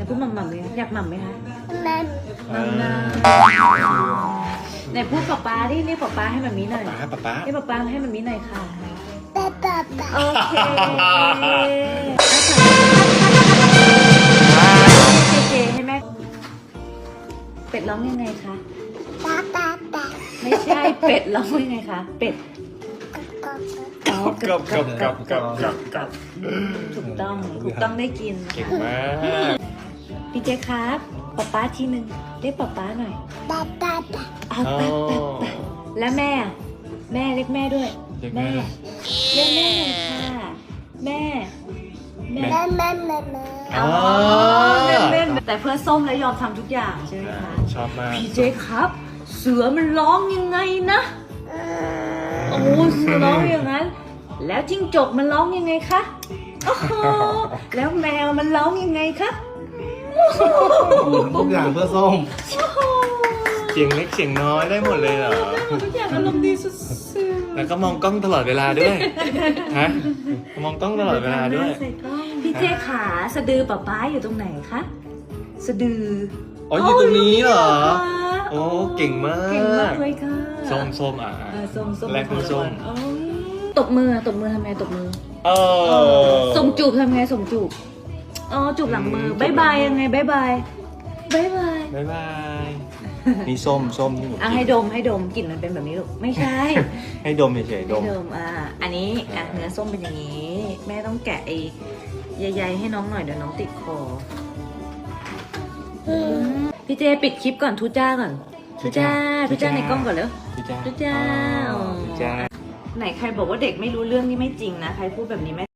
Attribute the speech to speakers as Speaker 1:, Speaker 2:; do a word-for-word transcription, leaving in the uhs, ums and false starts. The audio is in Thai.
Speaker 1: พูดหม่ำหม่ำเลยอยากหม่ำไหมคะ
Speaker 2: มัน
Speaker 1: หม่ำนะไหนพูดป๊าป๊าดิเรียกป๊าป๊าให้มันมีหน่อย
Speaker 3: ป๊าป๊าป๊า
Speaker 1: เรียกป๊าป๊าให้มันมีหน่อยค่ะ
Speaker 2: ปะปะปะ
Speaker 1: โอเคเจเจให้แม่เป็ดร้องยังไงคะ
Speaker 2: ปะปะปะ
Speaker 1: ไม่ใช่เป็ดร้องยังไงคะเป็ด
Speaker 2: กบกบ
Speaker 1: อ๋อ
Speaker 3: กับกับกับกับกับ
Speaker 1: ถูกต้องถูกต้องได้กิน
Speaker 3: เก่ง
Speaker 1: ค่ะ
Speaker 3: มาก
Speaker 1: พี่เจครับป๊าป๊าทีหนึ่งเรียกป๊าป๊าหน่อย
Speaker 2: ปะปะปะ
Speaker 1: เอา
Speaker 3: อ๋อ
Speaker 1: ป๊าป๊าป๊าแล้วแม่อะแม่เรียกแม่ด้วย
Speaker 3: เรียกแม่
Speaker 1: แม่เรียกแม่หน่อยค่ะแม่แม่
Speaker 2: แม่แม่แม่แม่
Speaker 1: อ๋อเล่นเล่นแต่เพื่อส้มแล้วยอมทำทุกอย่างใช่ไหมคะ
Speaker 3: ชอบมาก
Speaker 1: พี่เจครับ เสือมันร้องยังไงนะโอ้เสือร้องอย่างนั้น แล้วจิ้งจกมันร้องยังไงคะโอ้โหแล้วแมวมันร้องยังไงคะ
Speaker 4: ทุกอย่างเพื่อส้ม
Speaker 1: โอ้โห
Speaker 3: เสียงเล็กเสียงน้อยได้หมดเลยเหรอ
Speaker 1: ได้หมดทุกอย่างอารมณ์ดีสุด
Speaker 3: แล้วก็มองกล้องตลอดเวลาด้วย ฮะ มองกล้องตลอดเวลาด้วย
Speaker 1: ใส่กล้องพี่เจขาสะดือป๊าป๊าอยู่ตรงไหนคะสะดือ
Speaker 3: อ๋ออยู่ตรงนี้เหรอ
Speaker 1: โอ้ย
Speaker 3: โอ้เก่งมาก
Speaker 1: เก่งมากเลยค่ะ
Speaker 3: ส้มส้มอ่ะ
Speaker 1: เออส้มส้ม
Speaker 3: แลกเป็นส้ม
Speaker 1: โอ้ยตบมือตบมือทำไงตบมือ
Speaker 3: เออ
Speaker 1: ส่งจูบทำไงส่งจูบอ๋อจูบหลังมือ
Speaker 3: อืม
Speaker 1: บายบายยังไงบายบายบายบาย
Speaker 3: บ๊ายบาย นี่ส้มส้มที่หนู
Speaker 1: อ่ะให้ดมให้ดมกลิ่นมันเป็นแบบนี้ลูกไม่ใช่
Speaker 3: ให้ดมเฉยๆด
Speaker 1: ให้
Speaker 3: ม
Speaker 1: ดมอ่ะอันนี้อ่ะเนื้อส้มเป็นอย่างนี้ แม่ต้องแกะไอ้ใยๆให้น้องหน่อยเดี๋ยวน้องติดคออืมพี่เจปิดคลิปก่อนทุจ้าก่อนทุจ้าทุจ้าในกล้องก่อนเร็ว
Speaker 3: ทุจ้า
Speaker 1: ทุจ้า
Speaker 3: อ๋อทุจ้า
Speaker 1: ไหนใครบอกว่าเด็กไม่รู้เรื่องนี่ไม่จริงนะใครพูดแบบนี้ไม่